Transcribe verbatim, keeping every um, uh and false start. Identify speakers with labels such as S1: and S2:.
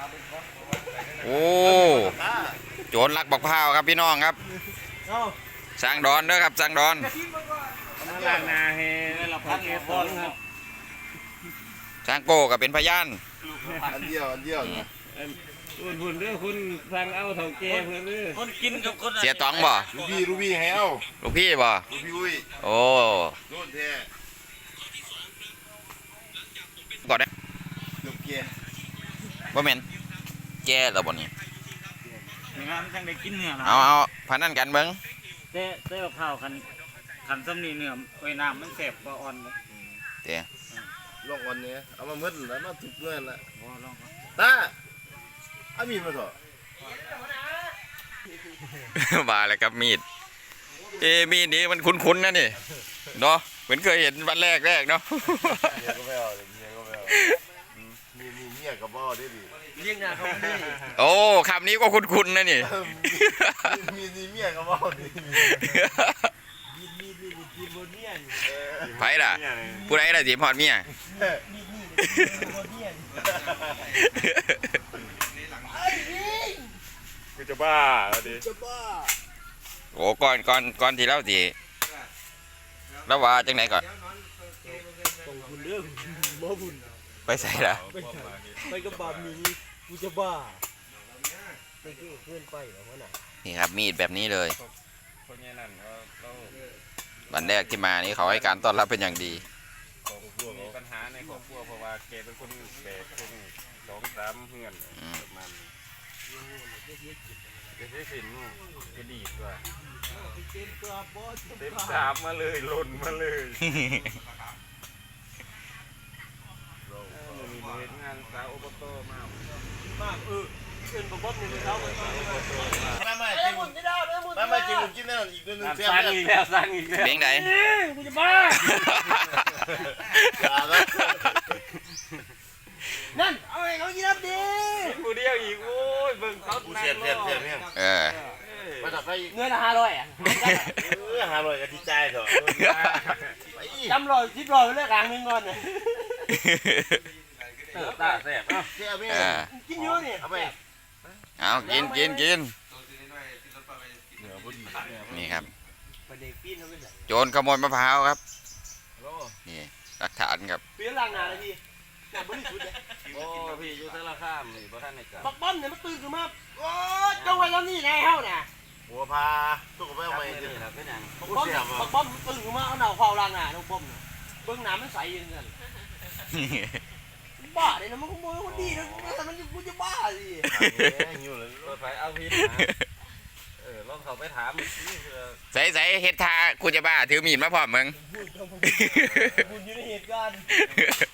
S1: โอ้โจรลักบักพร้าวครับพี่น้องครับสร้างดอนเด้อครับสร้างดอน
S2: มาล้างนาให้เราพักเก็บบอลครับ
S1: สร้างโก้ก็เป็นพยาน
S3: อันเดียวอันเดียว
S2: คุณคุณเรื่องคุณฟังเอาเถ่าแก่เพื่อนเรื่องคนกินกับคน
S1: เสียตองบ่
S3: ลูกพี่ลูกพี่ให้เอา
S1: ลูกพี่บ่
S3: ลูกพี่อุ้ย
S1: โอ้
S3: โดนแท้
S1: ก่อนได้
S3: ลูกเกีย
S1: บ่แม่นแก่แล้วบ่นี่
S2: งานจังได้กินเนื้อ
S1: เอาเอาพันนั่นกันเบิ่ง
S2: เต้เต้กับข้าวคันคันซ้ำนี่เนื้อไว้น้ำมันแสบกว่าอ่อนเลย
S1: เต้
S3: ลองอ่อนเนี่ยเอามาเมื่อแล้วมาถูกเมื่อละ
S2: บ่ลอง
S3: ตาเอามีดมาเถอะ
S1: มาเลยครับมีดเอมีดนี้มันคุ้นๆนะนี่เนาะเหมือนเคยเห็นวันแรกแรกเนาะ
S3: เมียก็ไม่เอาเมียก็ไม่เอามีมีเมียกับบ่ได้ดิ
S2: เลี้ยงงานเขาไม่
S1: โอ้คำนี้ก็คุ้นๆนะนี่
S3: มีมีเมียกับบ่ดิ
S2: มีมีมีมีบนเมีย
S1: ไผ่ล่ะผู้ใดล่ะสิพอดเมีย
S3: กูจะบ้าดิ
S2: จะบ้า
S1: โอ้ก่อนก่อนก่อนที่เราสิแล้วว่าจังไหนก่อน
S2: ส่งคุณเรื่องบ่บุญ
S1: ไปใส่ละ
S2: ไปกับบามีกูจะบ้าไปเพื่อนไปเหรอวะน่ะ
S1: นี่ครับมีดแบบนี้เลยวันแรกที่มานี่เขาให้การต้อนรับเป็นอย่างดี
S3: มีปัญหาในครอบครัวเพราะว่าแกเป็นคนแบกคนสองสามเพื่อนประมาณแกใช้สินแกดีดว่าเต็มสามมาเลยหล่นมาเลยมีเห็นงานสาวอบตมาก
S2: มากเออเป็นบอสในเช้าเลย
S3: ไม่ไม่จริงไม่ไม่จริงผมกินแน่นอนอีกตัวนึง
S2: สร้างอีกแล้วสร้างอีกแล้ว
S1: เลี้ยงไหน
S2: กูจะบ้านั่นเอาไอ้เขากินน้ำดีกูเดียวอีกโอ้ยเบิ่งเขา
S3: เสียบเสียบเสียบเนี่ย
S1: เออ
S3: มาตัดไป
S2: เงินห้าร้อยอ่ะ
S3: เออห้าร้อยก็ที่ใจเถอะ
S2: จำรอยชิบรอยไปเลยกลางนึงก่อนเนี่ยตาแซ่บเอา
S3: เสียบเนี่ย
S2: กินเยอะนี่
S3: เอาไป
S1: เอากินกินกินนี่ครับโจรขโมยมะพร้าวครับนี่หลักฐานครับ
S2: เปลี่ยนหลังนาเลยพี่หน้าบริสุทธิ์เลย
S3: โอ้พี่อยู่ทะเลข้ามนี่บ่ท่านในกา
S2: บักบ้อนเนี่ยมันตื่นขึ้นมาโอ้เจ้าไว้แล้วนี่ไงเฮ้าน่ะ
S3: หัวพาตุ๊กไปเอาไปดิ
S2: บักบ้อนบักบ้อนมันตื่นขึ้นมาเอาหน้าเฝ้าหลังนาน้องป้อมเนี่ยเบื้องน้ำมันใสยังไงบ้าเลยนะมันขโมยคนดีนะแต่มันกูจะบ้าสิ
S3: อยู่เลยรถไฟเอาพิษเออลองเขาไปถาม
S1: ใส่ใส่เฮ็ดท่ากูจะบ้าถือมีดมาพร้อมมึง
S2: คุณอยู่ในเหตุการณ์